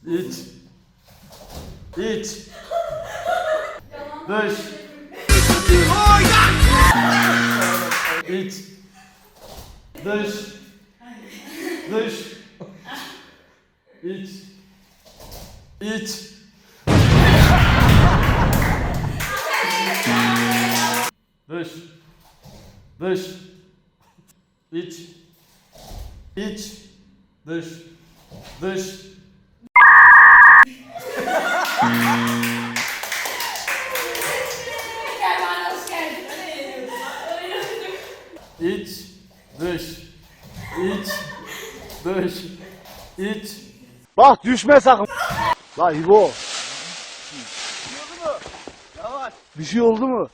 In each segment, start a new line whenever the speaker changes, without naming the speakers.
İç. İç. Dış. İç. Dış. Dış. İç. İç. Dış. Dış. İç. İç. Dış. Dış.
Kervan hoş geldin.
İç. Dış. İç. Dış. İç.
Bak düşme sakın. La İbo. Bir şey oldu mu?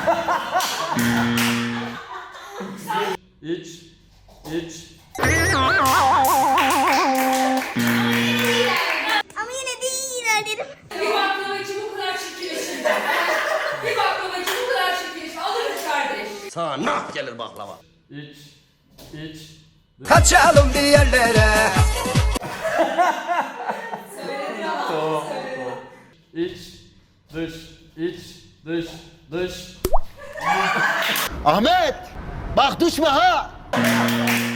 İç. İç.
Ama yine de iyi ilerledim. Bir baklava için bu kadar çirkinleşir. Bir baklava için bu kadar çirkinleşir. Alırız kardeş.
Sana nah gelir baklava.
İç. İç.
Kaçalım bir yerlere.
Söyledin ama.
İç. Dış. İç. Dış. Dış.
Ahmet! Bak düşme ha!